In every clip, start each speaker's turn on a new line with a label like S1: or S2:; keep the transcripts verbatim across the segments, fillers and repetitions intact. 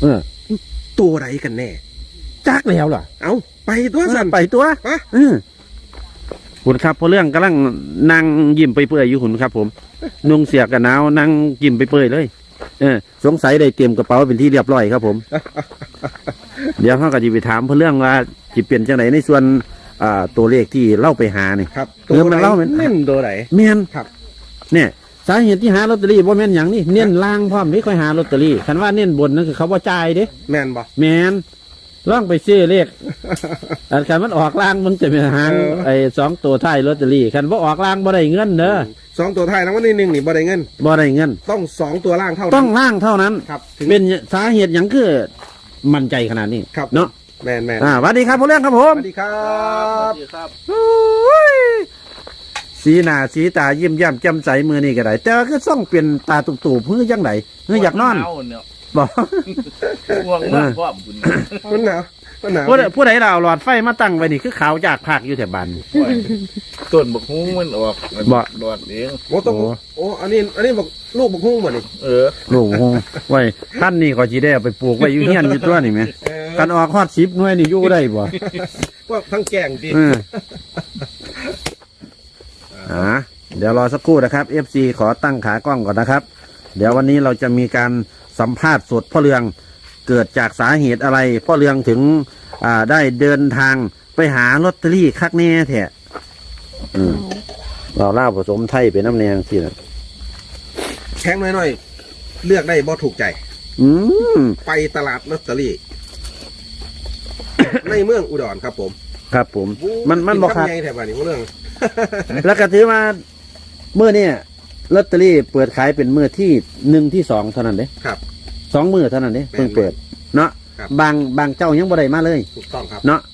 S1: เออ
S2: ตัวไหนกันแน่
S1: จักแล้วล่ะ
S2: เอาไปตัวสั่น
S1: ไปตัว
S2: ฮะ
S1: เออคุณครับพอเรื่องกำลังนั่งยิ้มไปเปื่อยอยู่คุณครับผมนุ่งเสียกันหนาวนั่งยิ้มไปเปื่อยเลยเออสงสัยได้เตรียมกระเป๋าเป็นที่เรียบร้อยครับผมเดี๋ยวเขาก็จะไปถามเรื่องว่าจะเปลี่ยนจังไหนในส่วนอ่าตัวเลขที่เล่าไปหานี่
S2: ครับ
S1: ตัวมันเล่า
S2: เน้นตัวไหน
S1: เมียน
S2: ครับ
S1: เนี่ยสาเหตุที่หาลอตเตอรี่บ่แม่นอย่างนี้เน้นล่างพร้อมไม่ค่อยหาลอตเตอรี่คันว่าเน้นบนนั่นคือเขาว่าจ่ายเด้
S2: แม่นบ่
S1: แม่นล่องไปซื้อเลขอันคันมันออกล่างมันจะเป็นหางไอ้สองตัวท้ายลอตเตอรี่คันว่าออกล่างบ่ได้เงินเด้อ
S2: สองตัวท้ายรางวัลที่หนึ่งนี่บ่ได้เงิน
S1: บ่ได้เงิน
S2: ต้องสองตัวล่างเท่านั้น
S1: ต้องล่างเท่านั้น
S2: ครับ
S1: เป็นสาเหตุอย่างคือมั่นใจขนาดนี้
S2: ครับ
S1: เนาะ
S2: แม่นแม่น
S1: อ่าสวัสดีครับพ่อเรื่องครับผม
S2: สวัสดีครับสวัสดีครับ
S1: สีหน้าสีตายิ้มแย้มแจ่มใสมือนี่ก็ได้แต่ก็ต้องเปลี่ยนตาตุ่มๆเพื่อยังไงเพื่ออยากนอนบอก
S3: ห่วงมากพ่อคุณ
S2: มันหนาวมันหนาว
S1: ผู้ใดผู้ใดเราหลอดไฟมาตั้งไว้นี่คือขาวจากภาคอยู่แถวบ้าน
S3: ต้นบกฮุ้งมันออก
S1: บ่
S3: หลอดเอง
S2: โอ้ต้องโอ้อันนี้อันนี้บอกลูกบกฮุ้งบ่นี่
S3: เออ
S1: ลูกฮุ้งไว้ท่านนี่ก็จีได้เอาไปปลูกไว้อยู่เฮียนอยู่ตัวนี่ไหมกันออกฮอดสิบหน่วยนี่อยู่ได้บ่
S2: พวกทั้งแกงดิ
S1: อ่าเดี๋ยวรอสักครู่นะครับ เอฟ ซี ขอตั้งขากล้องก่อนนะครับ เดี๋ยววันนี้เราจะมีการสัมภาษณ์สดพ่อเรืองเกิดจากสาเหตุอะไรพ่อเรืองถึงอ่าได้เดินทางไปหาลอตเตอรี่คักแน่แท้อืมเราเล่าผสมไทยเป็นน้ำแนงสินะ
S2: แข็งน้อยๆเลือกได้บ่ถูกใจ
S1: อืม
S2: ไปตลาดลอตเตอรี่ ในเมืองอุดรครับผม
S1: ครับผมมันมันบอกครับ
S2: แถวบ้านนี้เรื่อง
S1: แล้วก็ถือมาเมื่อเนี่ยลอตเตอรี่เปิดขายเป็นเมื่อที่หนึ่งที่สองเท่านั้นเด้
S2: ครับ
S1: สองมือเท่านั้นเด้เพิ่งเปิดเนาะบางบางเจ้ายังบ่ได้มาเลย
S2: ถูกต้องครับ
S1: เนาะ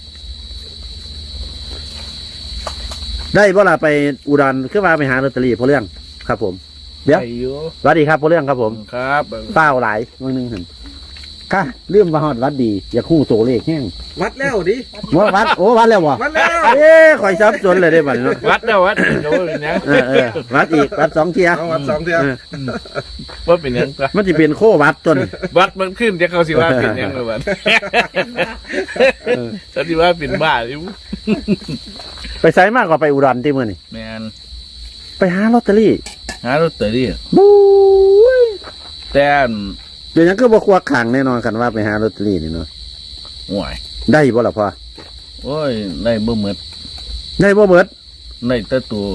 S1: ได้บ่ล่ะไปอุดรคือว่าไปหาลอตเตอรี่พอเรื่องครับผมเดี๋ยวสวัสดีครับพอเรื่องครับผม
S3: ครับ
S1: เป้าหลายวันหนึ่งเห็นค่ะเรื่องมาฮอดวัดดีอย่าคู่โตเลขแห้ง
S2: วัดแล้วดิ
S1: ว่าวัดโอ้วัดแล้ววะ
S2: วัดแล้ว
S1: เอ๊ะคอยซับจนเลยได้บัดเนาะ
S3: วัดแล้ววัดโดนยัง
S1: เออเออวัดอีกวัดสองเทีย
S2: วัดสองเทีย
S3: ว่าเป็นยัง
S1: มันจะเป็นโควัดจน
S3: วัดมันขึ้นจะเขาสิว่าเป็นยังเลยวัดเขาสิว่าเป็นบ้าอยู่
S1: ไปไซมากกว่าไปอุดรที่เมื่อนี่
S3: แมน
S1: ไปหาลอตเตอรี่
S3: หาลอตเตอรี่
S1: บู๊
S3: แต่
S1: เดี๋ยวนั้นก็บอกว่าขังแน่นอนกันว่าไปหาลอตเตอรี่นี่เนาะ
S3: ห่วย
S1: ได้บ่ล่ะพ่อ
S3: โอ้ยได้บ่เมิด
S1: ได้บ่เบิด
S3: ได้แต่ตัว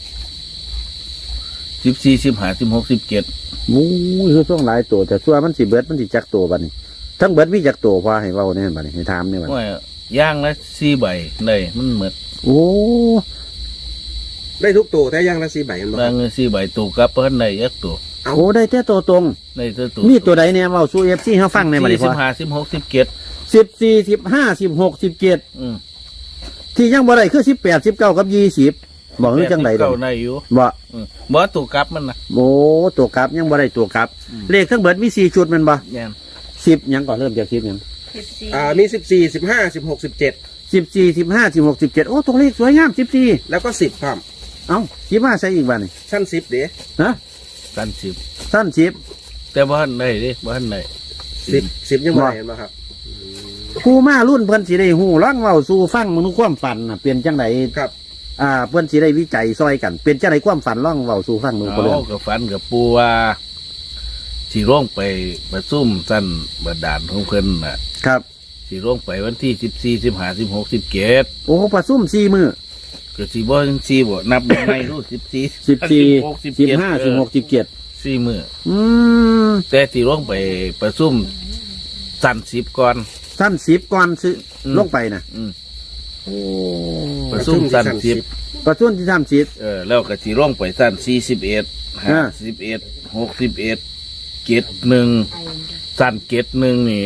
S3: สิบสี่สิบห้าสิบหกสิบเจ็ด
S1: โอ้ยคือช่วงหลายตัวแต่ส่วนมันสิเบิดมันสิจักตัวบัดนี้ทั้งเบิดมีจักตัวพ่อให้เว้าแน่บัดนี้ให้ถามนี่บัด
S3: โอ้ยย่างละสี่ใบได้มันเมิด
S1: โอ้
S2: ได้ทุกตัวแต่ย่างละสี่ใบมันบ่
S3: ย่างละสี่ใบตัวกับเพิ่นได้ยักตัว
S1: โอ้ได้แต่ตัวตรง
S3: ได้แต่ตัว
S1: มีตัวใดเนี่ยเว้าสู่ เอฟ ซี เฮาฟังในบัดนี้พ่อ
S3: สิบห้าสิบหกสิบเจ็ด
S1: สิบสี่ สิบห้า สิบหก สิบเจ็ดอืมที่ยังบ่ได้คือสิบแปด สิบเก้ากับยี่สิบบอกคือจังได๋ดอก
S3: ได้อยู่
S1: บ่
S3: อืมบ่ตัวกลับมันน่ะ
S1: โอ้ตัวกลับยังบ่ได้ตัวกลับเลขทั้งเบิดมีสี่ชุดแม่นบ่
S3: แม่น
S1: สิบยังก่อนเริ่มจากสิบยัง
S2: อ่ามีสิบสี่ สิบห้า สิบหก สิบเจ็ด
S1: สิบสี่ สิบห้า สิบหก สิบเจ็ดโอ้ตัวเลขสวยงามสิบสี่
S2: แล้วก็สิบครับ
S1: เอ้าสิบห้าใส่อีกบัดนี่
S2: ชั้นสิบเด้
S1: ฮะ
S3: ชั้นสิบ
S1: ชั้นสิบ
S3: แต่บ่ทันได้เด้บ่ทันได้
S2: สิบ สิบยังบ่ได้เห็นบ่ครับ
S1: ครูมารุ่นเพิ่นสิได้ฮู้ร้องเว้าสู่ฟังมนุษย์ความฝันน่ะเป็นจังได๋
S2: ครับ
S1: อ่าเพิ่นสิได้วิจัยซอยกันเป็นจังได๋ความฝันร้องเว้าสู่ฟังมื้อบ่เรื่อง
S3: ก็ฝันกับปู่ว่าสิลงไปประชุมสั้นบัดดาลของเพิ่นน่ะ
S1: ครับ
S3: สิลงไปวันที่สิบสี่ สิบห้า สิบหก สิบเจ็ด
S1: โอ้ประชุมสี่มื้อ
S3: ก็สิบ่จังซี่บ่นับยังไงรู้สิบสี่
S1: สิบสี่ สิบห้า สิบหก สิบเจ็ด
S3: สี่มื้อ
S1: อืม
S3: แต่สิลงไปประชุมสั้นสิบก่อน
S1: สั้นสิบก่อนสิลงไปน่ะ
S3: อืม
S1: โอ้
S3: ประชุมสั้นสิบ
S1: ประชุมที่สามสิบ
S3: เออแล้วก็สิลงไปสั้นสี่สิบเอ็ด ห้าสิบเอ็ด หกสิบเอ็ดเจ็ดหนึ่งสั้นเจ็ดหนึ่งนี่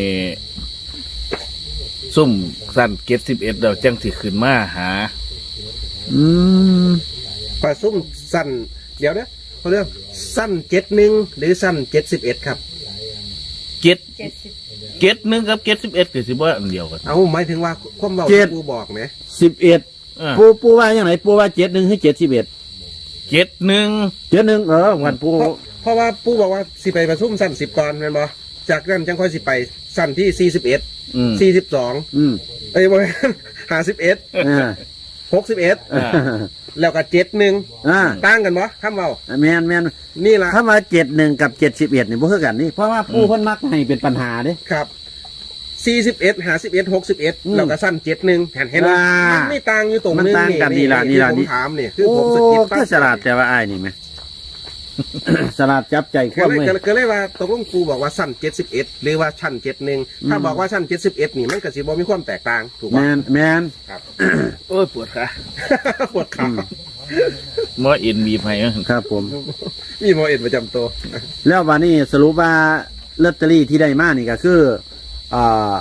S3: ซุ่มสั้นเจ็ดสิบเอ็ดเราจังสิขึ้นมาหา
S1: อืม
S2: ปลาซุ่มสั้นเดี๋ยวนะเขาเรียกสั้นเจ็ดหนึ่งหรือสั้นเจ็ดสิบเอ็ดครับ
S3: เจ็ดเจ็ดหนึ่งกับเจ็ดสิบเอ็ดก็สิบ่อันเดียวกัน
S2: เอาหมายถึงว่าความเบาปูบอกไหม
S1: สิบเอ็ดปูปูว่าอย่างไรปูว่าเจ็ดหนึ่งให้เจ็ดสิบเอ็ด
S3: เจ็ดหนึ่ง
S1: เจ็ดหนึ่งเออวันปู
S2: เพราะว่าปูบอกว่าสิไปประชุมสั้นสิบก่อนเป็นบ่จากนั้นจังค่อยสิไปสั้นที่สี่สิบเอ็ด
S3: อืม
S2: สี่สิบสอง
S1: อืม
S2: เอ้ยบ่ห้าสิบเอ็ด
S1: อ่า
S2: หกสิบเอ็ด
S3: อ่า
S2: แล้วก็เจ็ดหนึ่ง
S1: อ่า
S2: ต่างกันบ่คำเว้า
S1: แมนแมน
S2: นี่ล่ะ
S1: ถ้ามาเจ็ดหนึ่งกับเจ็ดสิบเอ็ดนี่บ่คือกันนี่เพราะว่าผู้เพิ่นมักให้เป็นปัญหาเด้
S2: ครับสี่สิบเอ็ดห้าสิบเอ็ดหกสิบเอ็ด
S1: อืม
S2: แล้วก็สั้นเจ็ดหนึ่งเห็นเห็นไหม
S1: อ่ามั
S2: มันไม่ต่างอยู่ตรง
S1: มัน
S2: นึง
S1: ต่างกันนี่ล่ะนี่ล่ะ
S2: ที่
S1: นี่
S2: ผมถามนี่คือ
S1: โอ้
S2: ผมสะกิดปั๊บ
S1: ก็ฉลาดแต่ว่าอ้ายนี่ไหม ฉลาดจับใจค
S2: ก็
S1: วาม
S2: เลย
S1: เว้ย
S2: ก็เลยก็เลยว่าตกลงครูบอกว่าสั้นเจ็ดสิบเอ็ดหรือว่าชั้นเจ็ดหนึ่งถ้าบอกว่าชั้นเจ็ดสิบเอ็ดนี่มันก็สิบ่มีความแตกต่างถูก
S1: แม
S2: ป่ะ
S1: นแมน
S2: ครับ
S3: โอ้ยปวดขา
S2: ปวดขา
S3: หมอเอ็นบีบให้
S1: ครับผม
S2: มีหมอเอ็นประจำตัว
S1: แล้ววันนี้สรุปว่าลอตเตอรี่ที่ได้มานี่ก็คืออ่า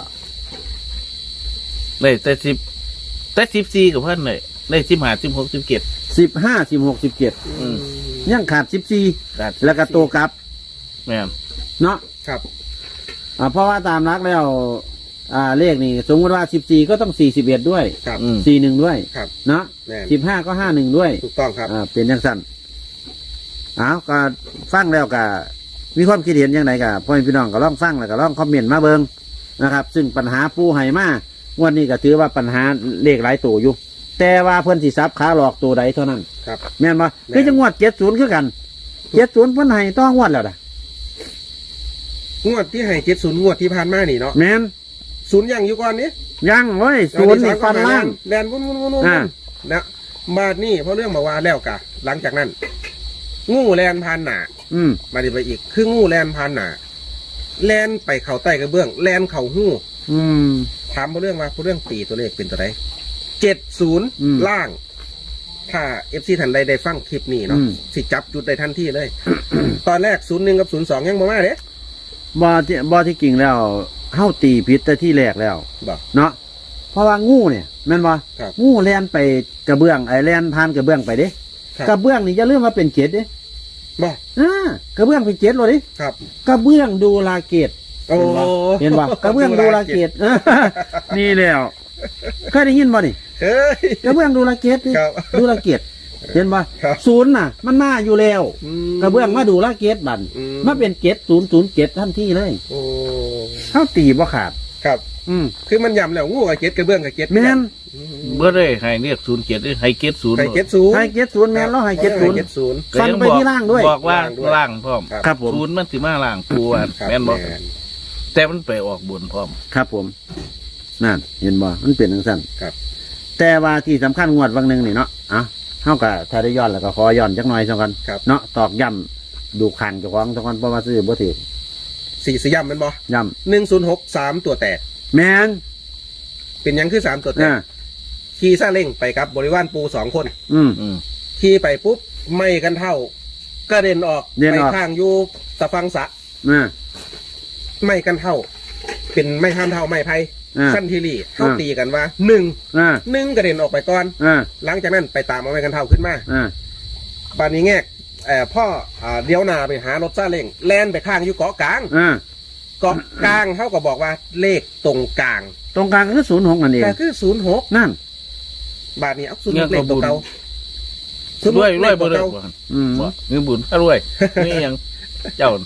S3: ได้แต่สิบแต่สิบสี่กับเพื่อนเลยได้สิบห้าสิบหกสิบเจ็ด
S1: สิบห้าสิบหกสิบเจ็ด
S3: อืม
S1: ยังขาดสิบสี่
S3: ขาด
S1: แล้วก็ตัวกลับ
S3: แม่น
S1: เนาะ
S2: ครับ
S1: อ่าเพราะว่าตามรักแล้ว อ่าเลขนี่สมมติว่าสิบสี่ก็ต้องสี่สิบเอ็ดด้วย
S2: ครับ
S3: อืม
S1: สี่หนึ่งด้วย
S2: ครับ
S1: เนาะ
S2: แม่น
S1: สิบห้าก็ห้าหนึ่งด้วย
S2: ถูกต้องครับ
S1: อ่าเป็นยังสั้นอ้าวก็ฟังแล้วก็มีความคิดเห็นยังไงกับพ่อแม่พี่น้องก็ลองฟังแล้วก็ลองคอมเมนต์มาเบิงนะครับ ซึ่งปัญหาปูไห่มางวันนี้ก็ถือว่าปัญหาเลขหลายตัวอยู่ แต่ว่าเพื่อนสิซับขาหลอกตัวใดเท่านั้น
S2: ครับ
S1: แม่นปะ
S2: แม่น
S1: คือจังหวัดเจ็ดศูนย์คือกันเจ็ดศูนย์เพื่อนไห้ต้องงวดแล้วนะ
S2: งวดที่ให้เจ็ดศูนย์งวดที่ผ่านมานี่เนาะ
S1: แม่น
S2: ศูนย์ยังอยู่ก่อนนี้
S1: ยังเว้ยศูนย์นี่ฟันล่าง
S2: แลนวุ่นวุ่นวุ่นวุ่น
S1: อ่า
S2: นะบาดนี่เพราะเรื่องมาว่าแล้วกะ หลังจากนั้น งูแลนพานหนา
S1: อืม
S2: มาดีไปอีก คืองูแลนพานหนาแลนไปเข่าใต้กระเบื้องแลนเข่าหู้
S1: อืม
S2: ถามเพราะเรื่องว่าเพราะเรื่องตีตัวเลขเป็นตัวใดเจ็ดศูนย์
S1: อืม
S2: ล่าง ถ้าเอฟซีทันใดได้ฟังคลิปนี้เนาะ
S1: อืม
S2: สิจับจุดได้ทันทีเลย ตอนแรกศูนย์หนึ่งกับศูนย์สองยังบ่มาเด้
S1: บอที่บอที่กิ่งแล้วเฮาตีพิษแต่ที่แรกแล้ว
S2: บอก
S1: เนาะเพราะว่างูเนี่ยแม่นบ่
S2: ครับ
S1: งูแล่นไปกระเบื้องไอ้แล่นผ่านกระเบื้องไปเด้
S2: ครับ
S1: กระเบื้องนี่จะเลื่อนมาเป็นเกศเด้
S2: บอก
S1: อ่ากระเบื้องเป็นเกศเลยดิ
S2: ครับ
S1: กระเบื้องดูลาเกต
S2: โอ้
S1: เห็นบ่กระเบื้องดูลาเกต นี่แล้วเคยได้ยินบ่นี่
S2: เฮ้ย
S1: กระเบื้องดูลาเกตนี่
S2: ครับ
S1: ดูลาเกตเห็นบ่
S2: ครับ
S1: ศูนย์น่ะ มันมาอยู่แล้ว
S2: อืม
S1: กระเบื้องมาดูลาเกตบัน
S2: อืม
S1: มาเป็นเกตศูนย์ศูนย์เกตทันทีเลย
S2: โอ้
S1: เขาตีบ่ขาด
S2: ครับ
S1: อืม
S2: คือมันย้ำแล้วงูกับเก็ดกระเบื้องกับเก็ด
S1: แม่น
S2: อืม
S3: เมื่อได้ให้เรียกศูนย์เจ็ดหรือให้เกตศูนย์
S2: ไข่เก็ดศูนย์
S1: ให้เกตศูนย์แม่นแล้วให้เกตศูนย์
S2: เก็ดศูนย์
S1: ฟันไปที่ล่างด้วย
S3: บอกว่า
S2: ล่างด้วย
S3: ล่างพร้อม
S2: ครับ
S1: ครับผม
S3: ศูนย์มันสิมาล่างปูอ่ะ
S2: ครับ
S3: แม่นบอก
S2: แม่น
S3: แต่มันไปออกบนพร้อม
S1: ครับผม นั่น เห็นบ่ มันเป็นทังสั้น
S2: ครับ
S1: แต่ว่าที่สำคัญงวดวันหนึ่งนี่เนาะอ่ะเฮากับถ้าได้ย้อนแล้วก็ขอย้อนจักหน่อยสักกัน
S2: ครับ
S1: เนาะตอกย้ำดูขังเจ้าของสักกันเพราะว่าซื้อบ่ถือ
S2: สี่สยามแมันบ่
S1: ย้
S2: หนึ่งศูนย์หกสามตัวแตก
S1: ำแม่น
S2: เป็นหยังคือสามตัวแตก
S1: อ่า
S2: ขี่ซาเล้งไปกับบริวารปูสองคน
S1: อืม
S3: อืม
S2: ขี่ไปปุ๊บไม่กันเท่ากระเด็นออก
S1: เด็น
S2: ไป
S1: ออก
S2: ข้างอยู่ตะฟังสะ
S1: อ่า
S2: ไม่กันเท่า เป็นไม่ห้ามเท่าไม่ไพ่
S1: อ่า
S2: สั้นทีรีเข้า
S1: อ่า
S2: ตีกันว่าหนึ่ง
S1: อ่า
S2: หนึ่งกระเด็นออกไปก่อน
S1: อ่า
S2: หลังจากนั้นไปตามเอาไม่กันเท่าขึ้นมา
S1: อ่า
S2: บานนี้แงกเอ่อพ่ออ่าเดี๋ยวหนาไปหารถซาเล้งแล่นไปข้างอยู่เกาะกลาง
S1: อ่า
S2: เกาะกลางเขาก็บอกว่าเลขตรงกลาง
S1: ตรงกลางก็คือศูนย์หกนั่นเอง
S2: แต่คือศูนย์หก
S1: นั่น
S2: บาทนี้เอาศูนย์หกเลขตัวเก่า
S3: รวยรวยบ่
S2: เล
S3: เลิ
S2: ข
S3: ก
S2: ตัว
S3: บ่
S2: เก่า
S1: อืม
S3: บ่เงินบุญถ้ารวยนี่ยังเจ้าร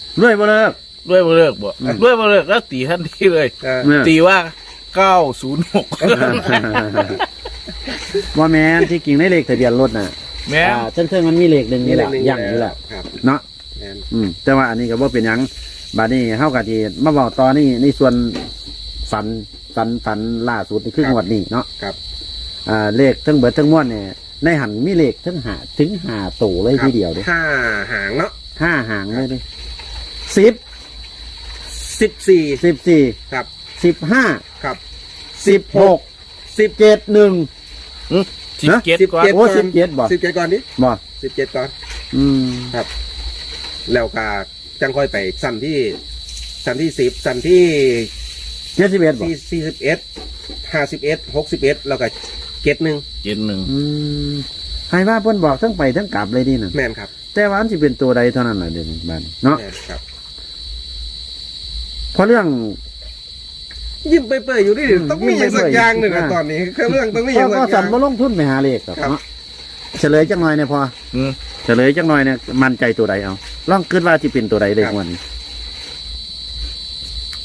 S1: วยบ่เลิก
S3: รวยบ่เลิกบ่
S1: อืม
S3: รวยบ่เลิกแล้วตีทันทีเลย
S2: เออ
S1: เนี่ย
S3: ตีว่าเก้าศูนย์หก
S1: ว่าแม่นที่กิ่งในเลขทะเบียนรถน่ะ
S3: แม่
S1: อ่าเชิงๆมันมีเลขหนึ่งนี่แหละ
S2: มีเลขหนึ่ง
S1: ย่างอยู่แหละ
S2: ครับ
S1: เนาะ
S2: แม่น
S1: อืมแต่ว่าอันนี้ก็บ่เป็นหยังบาดนี้เฮาก็ที่มาบอกตอนนี้ในส่วนฝันฝันฝันล่าสุดนี่คืองวดนี้เนาะ
S2: ครับ
S1: อ่าเลขทั้งเบิดทั้งม้วนเนี่ยในหันมีเลขทั้งหาถึงหาตัวเลยทีเดียวเด้
S2: ห้าหางเนาะ
S1: ห้าหางเลยเด้สิบ
S2: สิบสี่
S1: สิบสี่
S2: ครับ
S1: สิบห้า
S2: ครับ
S1: สิบหก
S2: สิบ
S1: เจ็ดหนึ่ง
S3: สิบเจ็ด
S2: สิบ
S3: ก่อน
S2: เจ็ด
S1: โอ้สิบเจ็ดบ่
S2: สิบเจ็ดก่อนดิ
S1: บ่
S2: สิบเจ็ดก่อน
S1: อืม
S2: ครับ แล้วก็จังค่อยไปสั้นที่สั้นที่สิบสั้นที่
S1: เจ็ดสิบเอ็ดบ่
S2: ที่สี่สิบเอ็ดห้าสิบเอ็ดหกสิบเอ็ดแล้วก็เจ็ดหนึ่ง
S3: เจ็ดหนึ่ง
S1: อืมให้ว่าเพิ่นบอกทั้งไปทั้งกลับเลยนี่น่ะ
S2: แม่นครับ
S1: แต่ว่ามันสิเป็นตัวใดเท่านั้นน่ะเดี๋ยวนี้บ้านเนาะ
S2: แม่นครับ
S1: เพราะเรื่อง
S2: ยิ้มเปื่อยๆอยู่ดิ
S1: อืม
S2: ต้องมีอย่างสักอย่างหนึ่ง
S1: ยิ้
S2: อะ
S1: มเปื่อยๆ
S2: ตอนนี้คือเรื่องต้องมีอ
S1: ก็
S2: ย่างสั
S1: ก็
S2: กอ
S1: สั
S2: ย่าน ง
S1: บ่ลงทุนไปหาเลขหรอก
S2: ครับ
S1: เนาะเฉลยจังหน่อยเนี่ยพอ
S3: อืม
S1: เฉลยจังหน่อยเนี่ยมั่นใจตัวใดเอาลองคิดว่าสิเป็นตัวใดเลย
S2: ครับ
S1: วันนี้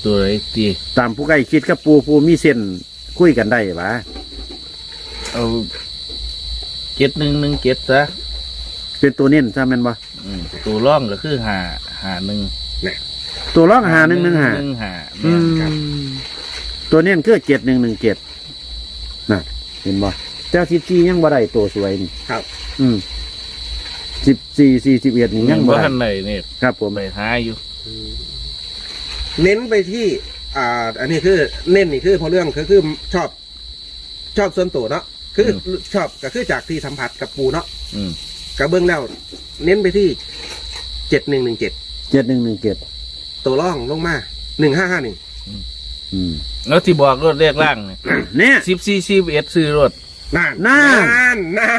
S3: ตัวไหนตี
S1: ตามผู้ใกล้คิดกับปูปูมีเส้นคุยกันได้ปะ
S3: เอาเจ็ดหนึ่งหนึ่งเจ็ดซะ
S1: เป็นตัวเน้นใช่ไหมนบ่
S3: อืมตัวร่องก็คือหาหาหนึ่ง
S1: ตัวร้องหาหนึ่งหนึ่งหา
S3: หนึ่งหา
S1: อื
S3: แม่น
S1: มตัวเน้นคือเจ็ดหนึ่งหนึ่งเจ็ดน่ะเห็นบ่เจ้าสิบสี่ยังบ่ได้ตัวสวยนี่
S2: ครับ
S1: อืมสิบสี่สี่สิบเอ็ดนี่ยังบ่
S3: ว่า
S1: ได้
S3: ทันไหนเนี่ย
S1: ครับผม
S3: ไปหาอยู่
S2: เน้นไปที่ อ่า อันนี้คือเน้นนี่คือพอเรื่องคือคือชอบ ชอบส่วนตัวเนาะคือชอบก็คือจากที่สัมผัสกับปูเนาะ
S3: อืม
S2: กับเบื้องแล้วเน้นไปที่เจ็ดหนึ่งหนึ่งเจ็ด
S1: เจ็ดหนึ่งหนึ่งเจ็ด
S2: ตัวร่องลงมาหนึ่งห้าห้าหนึ่ง
S1: อืม
S3: แล้วที่บอกรถเลขล่างเนี่ย
S1: เนี่ย
S3: สิบสี่สิบเอ็ดซื้อรถ
S2: นาน
S1: นาน
S2: นานนาน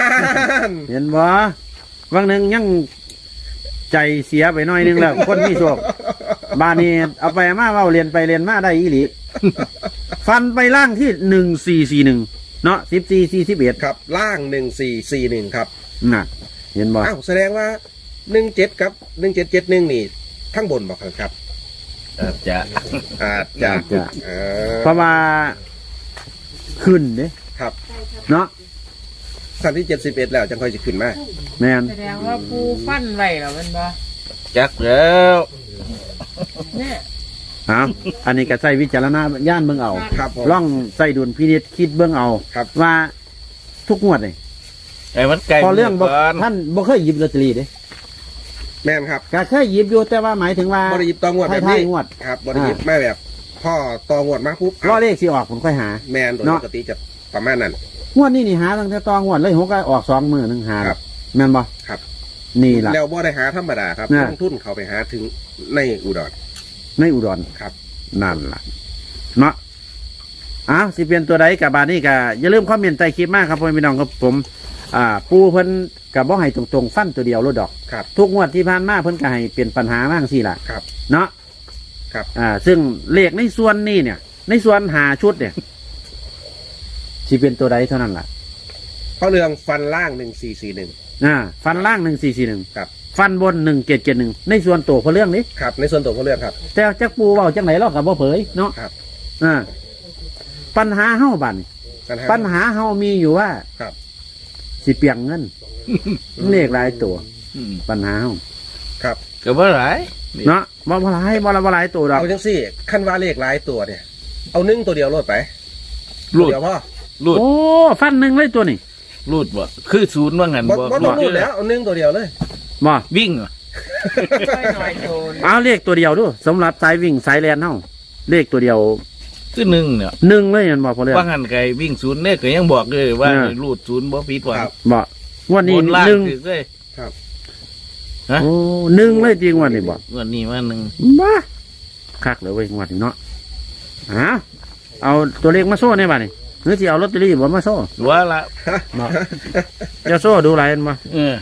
S1: เห็นบ่บางหนึ่งยังใจเสียไปหน่อยนึงแล้ว คนมีโชคบานนี้เอาไปมาเว่าเรียนไปเรียนมาได้อีหลี ฟันไปล่างที่หนึ่งสี่สี่หนึ่งเนาะสิบสี่สี่สิบเอ็ด
S2: ครับล่างหนึ่งสี่สี่หนึ่งครับ
S1: น่ะ เห็นบ่
S2: อ้าวแสดงว่าหนึ่งเจ็ดครับหนึ่งเจ็ดเจ็ดหนึ่งนี่ทั้งบนบอกครับ
S3: อาจจะ
S2: อาจจะ
S1: จะ
S2: เออ
S1: เพราะว่าขึ้นเด้
S2: ครับ
S1: เนาะ
S2: สั้นที่เจ็ดสิบเอ็ดแล้วจังค่อยจะขึ้นมา
S1: แม่น
S4: แสดงว่าปูฟันไว้แล้วมันบ่
S3: จักแล้ว
S4: เนี่ย
S1: เอาอันนี้ก็ใส่วิจารณญาณเบิ่งเอา
S2: ครับผม
S1: ล่องใส่ดุลพินิจคิดเบิ่งเอา
S2: ครับ
S1: ว่าทุกงวดนี่
S3: ไอ้มันไกล
S1: พอเรื่องบ่
S3: ก่อน
S1: ท่านบ่เคยหยิบลอตเตอรี่เด้
S2: แม่นครับ
S1: ก็เคยหยิบอยู่แต่ว่าหมายถึงว่า
S2: บริยิบตองวดแบบ
S1: ท้า
S2: นี้
S1: ยๆงวด
S2: ครับบริยิบไม่แบบ พ่อตองวดมาปุ๊บ
S1: รอเลขสิออกผมค่อยหา
S2: แมนโดย
S1: เนาะ
S2: ปกติจะประมาณนั้น
S1: งวดนี้นี่หาตั้งแต่ตองวดเลยหกก็ออกสองมือหนึงหา
S2: ครับ
S1: แม่นบ่
S2: ครับ
S1: นี่ล่ะ
S2: แล้วบ่ได้หาธรรมดาครับ
S1: น่ะ
S2: ลงทุนเขาไปหาถึงในอุดร
S1: ในอุดร
S2: ครับ
S1: นั่นล่ะเนาะอ้าวสิเป็นตัวใดกับบาดนี้ก็อย่าลืมคอมเมนต์ใต้คลิปมากครับพ่อพี่น้องครับผม อ่า ปูเพิ่นกับบ่ให้ตรงๆฟันตัวเดียวรถดอก
S2: ครับ
S1: ทุกงวดที่ผ่านมาเพิ่นก็ให้เปลี่ยนปัญหามากสิล่ะ
S2: ครับ
S1: เนาะ
S2: ครับ
S1: อ่า ซึ่งเลขในส่วนนี้เนี่ย ในส่วนหาชุดเนี่ยสิเป็นตัวใดเท่านั้นล่ะ
S2: เพราะเรื่องฟันล่างหนึ่งสี่สี่หนึ่ง
S1: อ่า ฟันล่างหนึ่งสี่สี่หนึ่ง
S2: ครับ
S1: ฟันบนหนึ่งเจ็ดเจ็ดหนึ่งในส่วนตัวเพราะเรื่องนี้
S2: ครับ ในส่วนตัวของเรื่องครับ
S1: แต่จักปูเว้าจังไหนเรากับบ่เผยเนาะ
S2: ครับ
S1: อ่า ปัญหาเฮาบัดน
S2: ปัญหา
S1: ปัญหาเฮามีอยู่ว่า
S2: ครับ
S1: สิเปียงเงิน เลขหลายตัว
S3: อืม
S1: ปัญหาเฮา
S2: ครับ
S3: ก็บ่หลาย
S1: เนาะบ่บ่หลายบ่ละบ่หลายตัวดอก
S2: เอาจังสี่ขั้นว่าเลขหลายตัวเนี่ย เอานึ่งตัวเดียวโลดไป
S3: รูด
S2: เดียวพ่อ
S3: รูด
S1: โอ้ฟันหนึ่งเลยตัวนี่
S3: รูดบ่คือศูนย์ว่างั้น
S2: บ่
S3: บ่
S2: บ่ต้องรูดแล้วเอานึ่งตัวเดียวเลย
S1: บ่
S3: วิ่งเหรอ
S4: ช่วยหน่อยโจร
S1: เอาเลขตัวเดียวดูสำหรับสายวิ่งสายแลนเฮาเลขตัวเดียว
S3: คือหนึ่งเนี่ย
S1: หนึ่งเลยแม่นบ่พอเรื่อง
S3: ว่างั้นไกวิ่งศูนย์เนี่ยก็ยังบอกเลยว่า
S1: อ่า
S3: รูดศูนย์บ่ผิดหวัง
S2: ครับ
S1: บ่งวดนี้
S3: บนล่าง
S1: หนึ่ง
S3: ถือเลย ฮะ
S1: โอ้หนึ่งเลยจริงงวดนี้บ่
S3: วันนี้ว่าหนึ่ง
S1: บ้าคักเลยเว้ยงวดนี้เนาะอ้าวเอาตัวเลขมาโซ่ในบ้านนี่หรือสิเอาลอตเตอรี่บ่มาโซ่
S3: ว่าละ
S1: บ่จะโซ่ดูหลายอันบ่
S3: เออ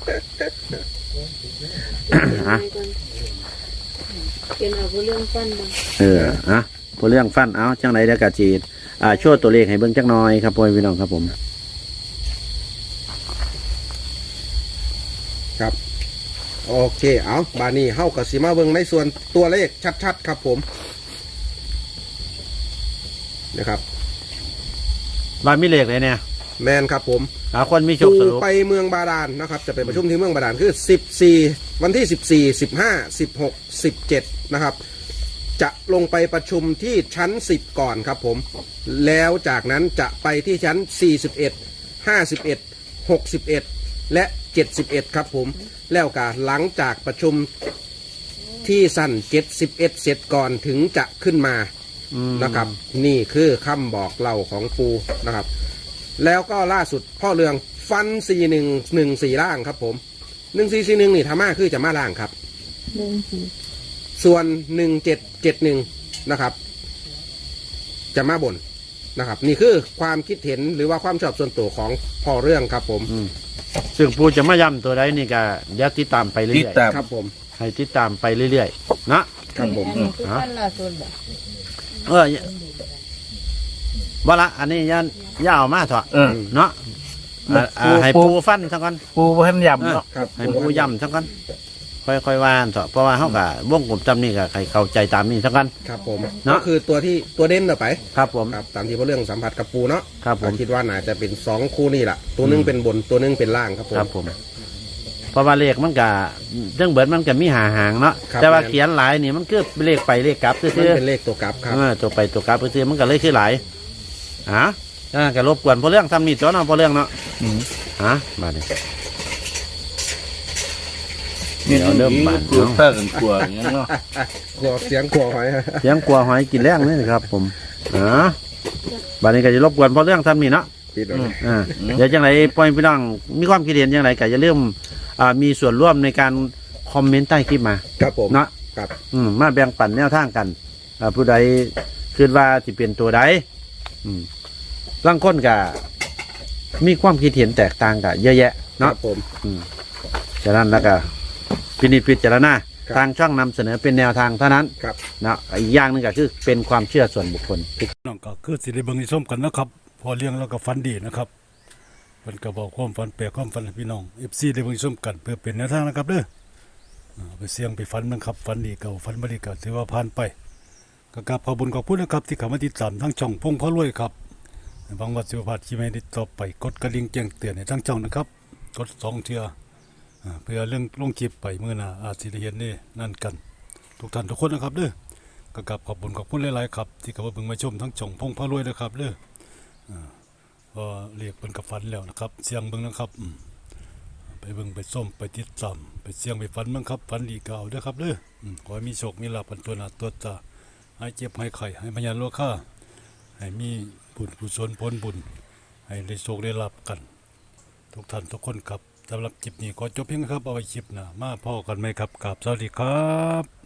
S1: อ่ะ
S5: เป็นเอาเรื่องฟันบ้าง
S1: เอออ่ะพอเรื่องฟันเอาจังไหนเดี๋ยวกะจีอ่าโชว์ตัวเลขให้เบิ่งจักหน่อยครับพ่อพี่น้องครับผม
S2: ครับ โอเค เอาบานี้เฮากับสีมาเบิ่งในส่วนตัวเลขชัดๆครับผมนะครับ
S1: บ้านมีเลขเลยเนี่ย
S2: แมนครับผม
S1: หาคนมีโชค
S2: ปู
S1: สรุป
S2: ไปเมืองบาดาลนะครับ จะไปประชุมที่เมืองบาดาลคือสิบสี่วันที่สิบสี่สิบห้าสิบหกสิบเจ็ดนะครับ จะลงไปประชุมที่ชั้นสิบก่อนครับผม แล้วจากนั้นจะไปที่ชั้นสี่สิบเอ็ดห้าสิบเอ็ดหกสิบเอ็ดและเจ็ดสิบเอ็ดครับผม แล้วก็หลังจากประชุมที่สั้นเจ็ดสิบเอ็ดเสร็จก่อนถึงจะขึ้นมา
S1: อืม
S2: นะครับ นี่คือคำบอกเล่าของปูนะครับ แล้วก็ล่าสุดพ่อเรืองฟันสี่หนึ่งหนึ่งสี่ล่างครับผมหนึ่งสี่สี่หนึ่งนี่ธรรมะคือจะมาล่างครับ
S5: เรื่องสี
S2: ส่วนหนึ่งเจ็ดเจ็ดหนึ่งนะครับ จะมาบนนะครับ นี่คือความคิดเห็นหรือว่าความชอบส่วนตัวของพ่อเรื่องครับผม
S1: อืมซึ่งผู้จะมาย้ำตัวใดนี่ก็เดี๋ยวติดตามไปเรื่
S3: ติด
S1: อย
S3: ตาม
S2: ครับผม
S1: ๆให้ติดตามไปเรื่อยๆเนาะ
S2: ครับผม
S4: อันนี้คือฟันล่าสุดบ่
S1: เออบ่ละอันนี้ยันย่าเอามาเถอะ
S3: เออ
S1: เนาะอ่าอ่าให้ปูฟันทั้งกัน
S3: ปูพันยำเนาะ
S2: ครับ
S1: ให้ปูย่ำทั้งกันค่อยๆว่านเถอะเพราะว่าเฮาก็วงกลมจำนี่ก็ให้เข้าใจตามนี้เท่ากัน
S2: ครับผม
S1: เนาะ
S2: ก็คือตัวที่ตัวเด่นต่อไป
S1: ครับผม
S2: ครับตามที่พ่อเรื่องสัมผัสกับปูเนาะ
S1: ครับผม
S2: ก็คิดว่าน่าจะเป็นสองคู่นี่แหละตัวหนึงเป็นบนตัวหนึงเป็นล่างครับผม
S1: ครับผมเพราะว่าเลขมันก็เรื่องเบิดมันก็มีหาหางเนาะ
S2: ครับ
S1: แต่ว่าเขียนหลายนี่มันคือเลขไปเลขกลับซื่
S2: มัน
S1: อ
S2: เป็นเลขตัวกลับครับ
S1: ๆเออตัวไปตัวกลับซื่อๆมันก็เลยคือหลายอ่ะอ่าก็รบกวนพอเรื่องทำนี่ตัวเนาะพอเรื่องเนาะ
S3: อืม
S1: ฮะมาดิ
S3: เดี๋ยวเริ่มบานกลัวถ้ากันกลัวอย่างเงี้ยเนาะ
S2: กลัวเสียงกลัวหอย
S1: เสียงกลัวหอยกินแรงนี่ครับ ผมอ่าบัดนี้ก็จะรบกวนพอเรื่องทำนี่เนาะ
S2: ปิดเลย
S1: อ่าเดี๋ยวจังไรปล่อยพี่น้องมีความคิดเห็นจังไรก็จะเริ่าลืมอ่ามีส่วนร่วมในการคอมเมนต์ใต้คลิปมา
S2: ครับผม
S1: เนาะ
S2: ครับ
S1: อืมมาแบ่งปันแนวทางกันอ่าผู้ใดคิดว่าสิเป็นตัวใดอืมบางคนก็มีความคิดเห็นแตกต่างกันเยอะแยะ
S2: ครั
S1: เนาะ
S2: บผม
S1: อืมฉะนั้นแล้วก็พินิจพิจารณา
S2: ครับ
S1: ทางช่องนำเสนอเป็นแนวทางเท่านั้น
S2: ครับ
S1: เนาะอีกอย่างหนึงก็คือเป็นความเชื่อส่วนบุคคล
S6: น้องก็คือสิได้เบิ่งได้ชมกันนะครับ พอเลี้ยงแล้วก็ฟันดีนะครับเพิ่นก็บอกความฝันแปลกความฝันให้พี่น้อง เอฟ ซี ได้เบิ่งได้ชมกันเพื่อเป็นแนวทางนะครับเด้ออ่าไปเสี่ยงไปฝันนะครับฝันดีเก่าฝันบ่ดีก็ถือว่าผ่านไปก็กราบขอบคุญขอบคุณนะครับที่เข้ามาติดตามทั้งช่องพงพระรวยครับหวังว่าสิบ่พลาดคลิปใหม่ได้ต่อไปกดกระดิ่งแจ้งเตือนให้ทั้งช่องนะครับกดสองเทื่ออ่าเพื่อเรื่องลงคลิปไปมื้อหน้าอาจสิได้เห็นนี่นั่นกันทุกท่านทุกคนนะครับเด้อ ก็กราบขอบคุณขอบคุณหลายๆครับที่เข้ามาเบิ่งมาชมทั้งช่องพงพระรวยนะครับเด้ออ่าก็เรียกเป็นกับฝันแล้วนะครับเสียงเบิ่งนะครับอืมไปเบิ่งไปส้มไปติดตามไปเสียงไปฝันเบิ่งครับฝันดีก็เอาเด้อครับเด้ออืมขอให้มีโชคมีลาภกันตัวหน้าตัวตาให้เจ็บให้ไข้ให้พยานโลค่าให้มีบุญกุศลผลบุญให้ได้โชคได้ลาภกัน ทุกท่านทุกคนครับสำหรับคลิปนี้ขอจบเพียงเท่าครับเอาไว้คลิปหน้ามาพ่อกันไหมครับกราบสวัสดีครับ